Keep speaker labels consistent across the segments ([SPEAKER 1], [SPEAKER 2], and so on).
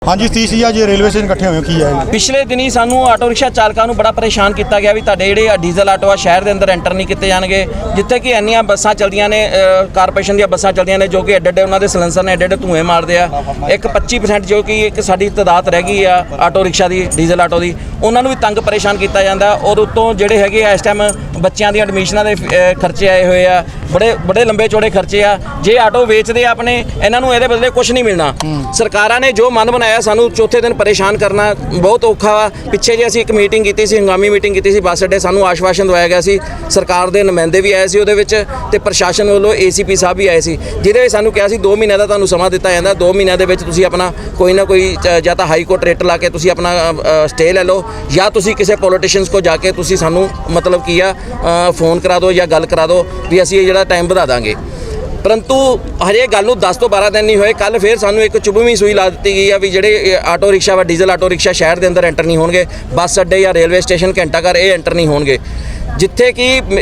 [SPEAKER 1] हाँ जी सतीश जी, आज railway station इकट्ठे हुए की है।
[SPEAKER 2] पिछले दिनी सानू आटो रिक्शा चालकों को बड़ा परेशान किया गया भी तुहाडे जिहड़े डीजल आटो आ शहर के अंदर एंटर नहीं किए जाएंगे, जिथे कि इन्नियां बसां चलदियां ने कारपोरेशन दी बसां चलदियां ने जो कि एडे एडे उन्होंने सिलेंसर ने एडे एडे धुएं मारते हैं। एक 25% जो कि एक साडी तादाद रह गई आ आटो रिक्शा की डीजल आटो की, उन्होंने भी तंग परेशान किया जाता। और उत्तों जिहड़े हैगे इस टाइम बच्चों दी एडमिशनां दे खर्चे आए हुए आ, बड़े बड़े लंबे चौड़े खर्चे आ। जे आटो वेचते अपने इन्हां नूं इहदे बदले कुछ नहीं मिलना। सरकारां ने जो मन बनाया सानू चौथे दिन परेशान करना बहुत औखा वा। पिछे जे असीं एक मीटिंग की सी, हंगामी मीटिंग की सी बस अड्डे, सानू आश्वासन दवाया गया सी, सरकार के नुमाइंदे भी आए सी उहदे विच ते प्रशासन वालों ACP साहब भी आए सी, जिहदे विच सानू कहा सी 2 महीने का तुहानू समा दिता जांदा, 2 महीनों के विच तुसीं अपना कोई ना कोई या तो हाई कोर्ट रेट ला के तुसीं अपना स्टे ले लो, या तुसीं किसी पॉलिटिशियंस को जाके तुसीं सानू मतलब की आ फोन करा दो या गल करा दो भी असीं ये जिहड़ा टाइम वधा दांगे। परंतु हजे गल नूं 10 तो 12 दिन नहीं होए, कल फिर सानू एक चुभवीं सूई ला दी गई है भी जिहड़े आटो रिक्शा व डीजल आटो रिक्शा शहर के अंदर एंटर नहीं होणगे, बस अड्डे या रेलवे स्टेशन घंटाघर ये एंटर नहीं होणगे, जिथे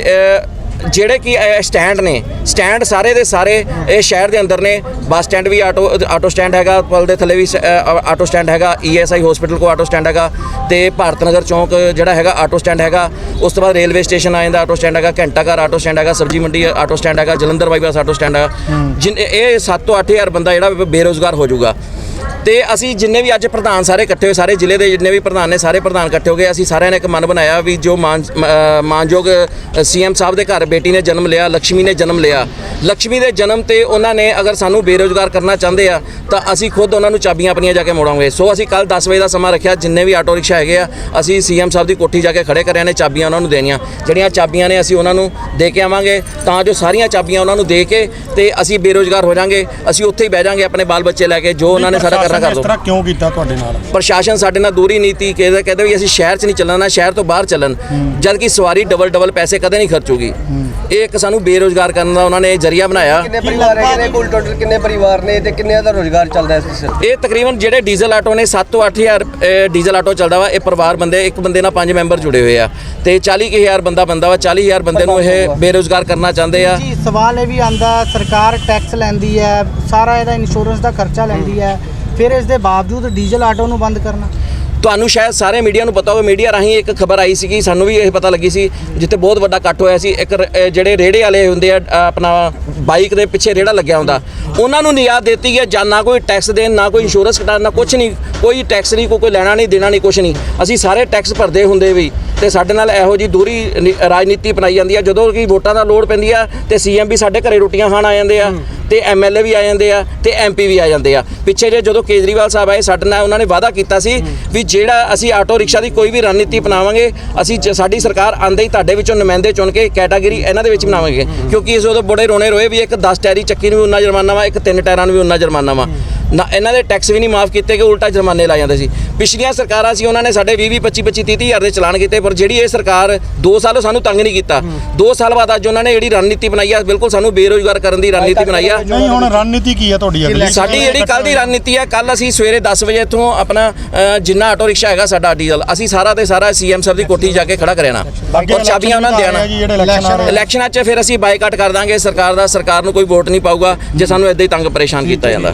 [SPEAKER 2] कि ਜਿਹੜੇ कि स्टैंड ने स्टैंड सारे के सारे शहर के अंदर ने। बस स्टैंड भी आटो स्टैंड हैगा, पुल के थले भी आटो स्टैंड हैगा, ESI हॉस्पिटल को आटो स्टैंड हैगा, तो भारत नगर चौंक जिहड़ा हैगा आटो स्टैंड हैगा। उस तो बाद रेलवे स्टेशन आ जाता आटो स्टैंड हैगा, घंटाघर आटो स्टैंड हैगा, सब्जी मंडी आटो स्टैंड हैगा, जलंधर बाईपास आटो स्टैंड हैगा। ये 7 ਤੋਂ 8 हज़ार बंदा जिहड़ा बेरोज़गार हो जाऊगा। तो असी जिन्ने भी अज प्रधान सारे इकट्ठे हुए, सारे जिले के जिन्ने भी प्रधान ने सारे प्रधान इकट्ठे हो गए, असी सारे ने एक मन बनाया भी जो मानयोग CM साहब के घर बेटी ने जन्म लिया, लक्ष्मी ने जन्म लिया, लक्ष्मी के जन्म ते उन्होंने अगर सानू बेरोज़गार करना चाहते हैं तो असी खुद उन्होंने चाबियां अपनियां जाके मोड़ांगे। सो असी कल 10 बजे का समा रखा, जिन्ने भी आटो रिक्शा है असी CM साहब की कोठी जाके खड़े कर ने, चाबियां उन्होंने देनियां, जड़ियाँ चाबियां ने असी उन्होंने दे के आवांगे, तां जो सारियां चाबियां उन्होंने दे के ते असी बेरोज़गार हो जाएंगे, असी उत्थे ही बह जाएंगे अपने बाल बच्चे लैके, जो उन्होंने सारा करना कर दो।
[SPEAKER 1] क्यों कीता तुहाडे नाल?
[SPEAKER 2] प्रशासन साडे नाल दूरी नीति कहते भी असीं शहर च नहीं चलना, शहर तो बाहर चलन, जबकि सवारी डबल पैसे कदे नहीं खर्चूगी। एक सानू बेरोज़गार करने का उन्होंने जरिया बनाया।
[SPEAKER 3] कितने परिवार है, कुल टोटल कितने परिवार ने ते कितने दा रोजगार चलदा है इस?
[SPEAKER 2] ये तकरीबन जिहड़े डीजल आटो ने 7 ਤੋਂ 8 हज़ार डीजल आटो चलदा वा। ये परिवार बंदे एक बंदे नाल 5 मैंबर जुड़े हुए आ ते 40,000 बंदा वा, 40,000 बंदे नूं ये बेरोज़गार करना चाहते आ।
[SPEAKER 4] जी सवाल ये भी आंदा, सरकार टैक्स लैंदी है, सारा इहदा इंश्योरेंस का खर्चा लैंदी है, फिर इस दे बावजूद डीजल आटो नूं बंद करना।
[SPEAKER 2] ਤੁਹਾਨੂੰ शायद सारे मीडिया ਨੂੰ पता होवे, मीडिया राही एक खबर आई सी, सानू भी ये पता लगी सी, जिथे बहुत वड्डा इकट्ठ होया सी। एक ਜਿਹੜੇ ਰੇੜੇ वाले ਹੁੰਦੇ ਆ अपना बाइक ਦੇ ਪਿੱਛੇ ਰੇੜਾ ਲੱਗਿਆ ਹੁੰਦਾ, ਉਹਨਾਂ ਨੂੰ ਨਿਆਦ ਦਿੱਤੀ ਹੈ ਜਾਂ ਨਾ ਕੋਈ ਟੈਕਸ ਦੇਣ, ਨਾ ਕੋਈ ਇੰਸ਼ੋਰੈਂਸ ਕਟਾਉਣ, ਨਾ ਕੁਛ ਨਹੀਂ, ਕੋਈ ਟੈਕਸ ਨਹੀਂ, ਕੋਈ ਲੈਣਾ ਨਹੀਂ ਦੇਣਾ ਨਹੀਂ, ਕੁਛ ਨਹੀਂ। ਅਸੀਂ ਸਾਰੇ ਟੈਕਸ ਭਰਦੇ ਹੁੰਦੇ ਵੀ ਤੇ ਸਾਡੇ ਨਾਲ ਇਹੋ ਜੀ ਦੂਰੀ ਰਾਜਨੀਤੀ ਅਪਣਾਈ ਜਾਂਦੀ ਆ। ਜਦੋਂ ਕਿ ਵੋਟਾਂ ਦਾ ਲੋੜ ਪੈਂਦੀ ਆ ਤੇ CM ਵੀ ਸਾਡੇ ਘਰੇ ਰੋਟੀਆਂ ਖਾਣ ਆ ਜਾਂਦੇ ਆ, ਤੇ MLA ਵੀ ਆ ਜਾਂਦੇ ਆ, ਤੇ MP ਵੀ ਆ ਜਾਂਦੇ ਆ। ਪਿੱਛੇ ਜੇ ਜਦੋਂ ਕੇਜਰੀਵਾਲ ਸਾਹਿਬ ਆਏ ਸਾਡੇ ਨਾਲ ਉਹਨਾਂ ਨੇ ਵਾਅਦਾ ਕੀਤਾ ਸੀ ਵੀ ਜਿਹੜਾ ਅਸੀਂ ਆਟੋ ਰਿਕਸ਼ਾ ਦੀ ਕੋਈ ਵੀ ਰਣਨੀਤੀ ਅਪਣਾਵਾਂਗੇ, ਅਸੀਂ ਸਾਡੀ ਸਰਕਾਰ ਆਂਦੇ ਹੀ ਤੁਹਾਡੇ ਵਿੱਚੋਂ ਨੁਮਾਇੰਦੇ ਚੁਣ ਕੇ ਕੈਟਾਗਰੀ ਇਹਨਾਂ ਦੇ ਵਿੱਚ ਬਣਾਵਾਂਗੇ, ਕਿਉਂਕਿ ਇਸ ਉਦੋਂ ਬੜੇ ਰੋਣੇ ਰੋਏ ਵੀ ਇੱਕ 10 ਟਾਇਰੀ ਚੱਕੀ ਨੂੰ ਵੀ ਉਨਾ ਜੁਰਮਾਨਾ ਵਾ, ਇੱਕ 3 ਟਾਇਰਾਂ ਨੂੰ ਵੀ ਉਨਾ ਜੁਰਮਾਨਾ ਵਾ ਨਾ, ਇਹਨਾਂ ਦੇ ਟੈਕਸ ਵੀ ਨਹੀਂ ਮਾਫ ਕੀਤੇ ਕਿ ਉਲਟਾ ਜੁਰਮਾਨੇ ਲਾ ਜਾਂਦੇ ਸੀ। ਪਿਛਲੀਆਂ ਸਰਕਾਰਾਂ ਸੀ ਉਹਨਾਂ ਨੇ ਸਾਡੇ 20 25 30 ਹਜ਼ਾਰ ਦੇ ਚਲਾਨ ਕੀਤੇ, ਪਰ ਜਿਹੜੀ ਇਹ ਸਰਕਾਰ 2 ਸਾਲ ਸਾਨੂੰ ਤੰਗ ਨਹੀਂ ਕੀਤਾ। 2 ਸਾਲ ਬਾਅਦ ਅੱਜ ਉਹਨਾਂ ਨੇ ਜਿਹੜੀ ਰਣਨੀਤੀ ਬਣਾਈ ਆ, ਬਿਲਕੁਲ ਸਾਨੂੰ ਬੇਰੁਜ਼ਗਾਰ ਕਰਨ ਦੀ ਰਣਨੀਤੀ ਬਣਾਈ ਆ।
[SPEAKER 1] ਨਹੀਂ ਹੁਣ ਰਣਨੀਤੀ ਕੀ ਆ ਤੁਹਾਡੀ ਅਗਲੀ?
[SPEAKER 2] ਸਾਡੀ ਜਿਹੜੀ ਕੱਲ ਦੀ ਰਣਨੀਤੀ ਆ, ਕੱਲ ਅਸੀਂ ਸਵੇਰੇ 10 ਵਜੇ ਇੱਥੋਂ ਆਪਣਾ ਜਿੰਨਾ ਆਟੋ ਰਿਕਸ਼ਾ ਹੈਗਾ ਸਾਡਾ ਡੀਜ਼ਲ, ਅਸੀਂ ਸਾਰਾ ਤੇ ਸਾਰਾ CM ਸਾਹਿਬ ਦੀ ਕੋਠੀ ਜਾ ਕੇ ਖੜਾ ਕਰਿਆਣਾ ਔਰ ਚਾਬੀਆਂ ਉਹਨਾਂ ਨੂੰ ਦੇਣਾ। ਇਲੈਕਸ਼ਨਾਂ 'ਚ ਫਿਰ ਅਸੀਂ ਬਾਈਕਾਟ ਕਰ ਦਾਂਗੇ ਸਰਕਾਰ ਦਾ, ਸਰਕਾਰ ਨੂੰ ਕੋਈ ਵੋਟ ਨਹੀਂ ਪਾਊਗਾ ਜੇ ਸਾਨੂੰ ਇੱਦਾਂ ਹੀ ਤੰਗ ਪਰੇਸ਼ਾਨ ਕੀਤਾ ਜਾਂਦਾ।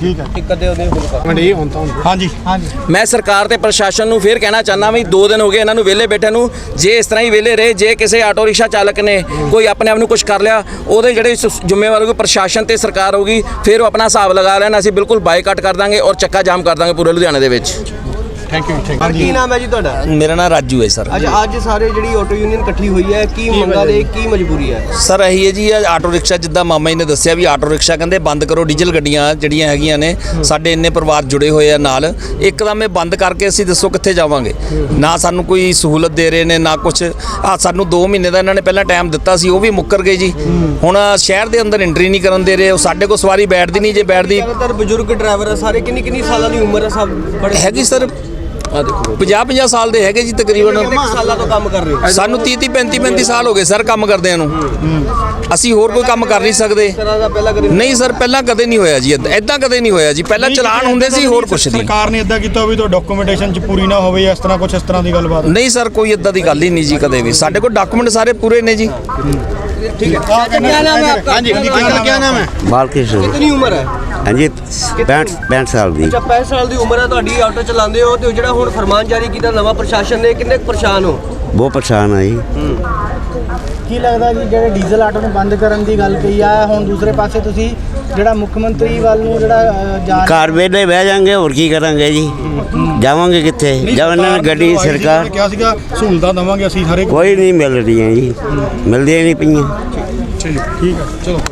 [SPEAKER 1] ਹਾਂਜੀ
[SPEAKER 2] मैं सरकार ते प्रशासन नूं फिर कहना चाहना भी 2 दिन हो गए इन्हों वेले बैठे नूं, जे इस तरह ही वेले रहे, जे किसी आटो रिक्शा चालक ने कोई अपने आप नूं कुछ कर लिया, ਉਹਦੇ ਜਿਹੜੇ ਜ਼ਿੰਮੇਵਾਰ ਹੋਊਗੀ ਪ੍ਰਸ਼ਾਸਨ ਤੇ ਸਰਕਾਰ ਹੋਊਗੀ, ਫਿਰ ਉਹ ਆਪਣਾ ਹਿਸਾਬ ਲਗਾ ਲੈਣ। ਅਸੀਂ ਬਿਲਕੁਲ ਬਾਈਕਾਟ ਕਰ ਦਾਂਗੇ ਔਰ ਚੱਕਾ ਜਾਮ ਕਰ ਦਾਂਗੇ ਪੂਰੇ ਲੁਧਿਆਣੇ ਦੇ ਵਿੱਚ।
[SPEAKER 1] Thank you.
[SPEAKER 3] ਕੀ ਨਾਮ ਹੈ ਜੀ ਤੁਹਾਡਾ?
[SPEAKER 5] मेरा नाम राजू है सर।
[SPEAKER 3] ਅੱਜ ਸਾਰੇ ਜਿਹੜੀ ਆਟੋ ਯੂਨੀਅਨ ਇਕੱਠੀ ਹੋਈ ਹੈ, ਕੀ ਮੰਗਾਂ ਦੇ ਕੀ ਮਜਬੂਰੀ ਹੈ?
[SPEAKER 5] ਸਰ ਇਹੀ ਹੈ ਜੀ, ਆਟੋ ਰਿਕਸ਼ਾ ਜਿੱਦਾਂ ਮਾਮਾ ਜੀ ਨੇ ਦੱਸਿਆ ਵੀ ਆਟੋ ਰਿਕਸ਼ਾ ਕਹਿੰਦੇ ਬੰਦ ਕਰੋ, ਡੀਜ਼ਲ ਗੱਡੀਆਂ ਜਿਹੜੀਆਂ ਹੈਗੀਆਂ ਨੇ, ਸਾਡੇ ਇੰਨੇ ਪਰਿਵਾਰ ਜੁੜੇ ਹੋਏ ਆ ਨਾਲ, ਇੱਕਦਮ ਇਹ ਬੰਦ ਕਰਕੇ ਅਸੀਂ ਦੱਸੋ ਕਿੱਥੇ ਜਾਵਾਂਗੇ? ਨਾ ਸਾਨੂੰ ਕੋਈ ਸਹੂਲਤ ਦੇ ਰਹੇ ਨੇ ਨਾ ਕੁਛ। ਸਾਨੂੰ 2 ਮਹੀਨੇ ਦਾ ਇਹਨਾਂ ਨੇ ਪਹਿਲਾਂ ਟਾਈਮ ਦਿੱਤਾ ਸੀ, ਉਹ ਵੀ ਮੁੱਕਰ ਗਏ ਜੀ। ਹੁਣ ਸ਼ਹਿਰ ਦੇ ਅੰਦਰ ਐਂਟਰੀ ਨਹੀਂ ਕਰਨ ਦੇ ਰਹੇ, ਉਹ ਸਾਡੇ ਕੋਲ ਸਵਾਰੀ ਬੈਠਦੀ ਨਹੀਂ, ਜੇ ਬੈਠਦੀ
[SPEAKER 3] ਜ਼ਿਆਦਾਤਰ ਬਜ਼ੁਰਗ ਡਰਾਈਵਰ ਆ ਸਾਰੇ, ਕਿੰਨੀ ਸਾਲਾਂ ਦੀ ਉਮਰ ਹੈ ਸਭ?
[SPEAKER 5] ਹੈਗੀ ਸਰ 50 ਸਾਲ ਦੇ ਹੈਗੇ ਜੀ ਤਕਰੀਬਨ।
[SPEAKER 3] ਕਿੰਨੇ ਸਾਲਾਂ ਤੋਂ ਕੰਮ ਕਰ ਰਹੇ ਹੋ?
[SPEAKER 5] ਸਾਨੂੰ 30 35 ਸਾਲ ਹੋ ਗਏ ਸਰ ਕੰਮ ਕਰਦਿਆਂ ਨੂੰ। ਅਸੀਂ ਹੋਰ ਕੋਈ ਕੰਮ ਕਰ ਨਹੀਂ ਸਕਦੇ। ਨਹੀਂ ਸਰ ਪਹਿਲਾਂ ਕਦੇ ਨਹੀਂ ਹੋਇਆ ਜੀ, ਇਦਾਂ ਕਦੇ ਨਹੀਂ ਹੋਇਆ ਜੀ। ਪਹਿਲਾਂ ਚਲਾਨ ਹੁੰਦੇ ਸੀ, ਹੋਰ ਕੁਛ ਨਹੀਂ।
[SPEAKER 1] ਸਰਕਾਰ ਨੇ ਇਦਾਂ ਕੀਤਾ ਵੀ ਤਾਂ ਡਾਕੂਮੈਂਟੇਸ਼ਨ ਚ ਪੂਰੀ ਨਾ ਹੋਵੇ, ਇਸ ਤਰ੍ਹਾਂ ਕੁਛ ਇਸ ਤਰ੍ਹਾਂ ਦੀ ਗੱਲਬਾਤ?
[SPEAKER 5] ਨਹੀਂ ਸਰ ਕੋਈ ਇਦਾਂ ਦੀ ਗੱਲ ਹੀ ਨਹੀਂ ਜੀ ਕਦੇ ਵੀ। ਸਾਡੇ ਕੋਲ ਡਾਕੂਮੈਂਟ ਸਾਰੇ ਪੂਰੇ ਨੇ ਜੀ।
[SPEAKER 3] ठीक है। क्या नाम है आपका? हाँ जी, क्या नाम है?
[SPEAKER 6] बालकृष्ण।
[SPEAKER 3] कितनी उम्र है?
[SPEAKER 6] ਹਾਂਜੀ 65 ਸਾਲ ਦੀ।
[SPEAKER 3] ਅੱਛਾ 65 ਸਾਲ ਦੀ ਉਮਰ ਹੈ ਤੁਹਾਡੀ, ਆਟੋ ਚਲਾਉਂਦੇ ਹੋ ਤੇ ਜਿਹੜਾ ਹੁਣ ਫਰਮਾਨ ਜਾਰੀ ਕੀਤਾ ਨਵਾਂ ਪ੍ਰਸ਼ਾਸਨ ਨੇ, ਕਿੰਨੇ ਕੁ ਪਰੇਸ਼ਾਨ ਹੋ?
[SPEAKER 6] ਬਹੁਤ ਪਰੇਸ਼ਾਨ ਆ ਜੀ।
[SPEAKER 4] ਕੀ ਲੱਗਦਾ ਜੀ ਜਿਹੜੇ ਡੀਜ਼ਲ ਆਟੋ ਨੂੰ ਬੰਦ ਕਰਨ ਦੀ ਗੱਲ ਕਹੀ ਆ, ਹੁਣ ਦੂਸਰੇ ਪਾਸੇ ਤੁਸੀਂ ਜਿਹੜਾ ਮੁੱਖ ਮੰਤਰੀ ਵੱਲ ਨੂੰ ਜਿਹੜਾ ਜਾ
[SPEAKER 6] ਘਰ ਵੇਲੇ ਬਹਿ ਜਾਾਂਗੇ, ਹੋਰ ਕੀ ਕਰਾਂਗੇ ਜੀ? ਜਾਵਾਂਗੇ ਕਿੱਥੇ? ਜਦ ਇਹਨਾਂ ਨੇ ਗੱਡੀ ਸਰਕਾਰ
[SPEAKER 1] ਕਿਹਾ ਸੀਗਾ ਸਹੂਲਤਾਂ ਦੇਵਾਂਗੇ ਅਸੀਂ ਹਰ ਇੱਕ
[SPEAKER 6] ਕੋਈ ਨਹੀਂ ਮਿਲ ਰਹੀਆਂ ਜੀ, ਮਿਲਦੀਆਂ ਨਹੀਂ ਪਈਆਂ।
[SPEAKER 1] ਠੀਕ ਹੈ ਚਲੋ।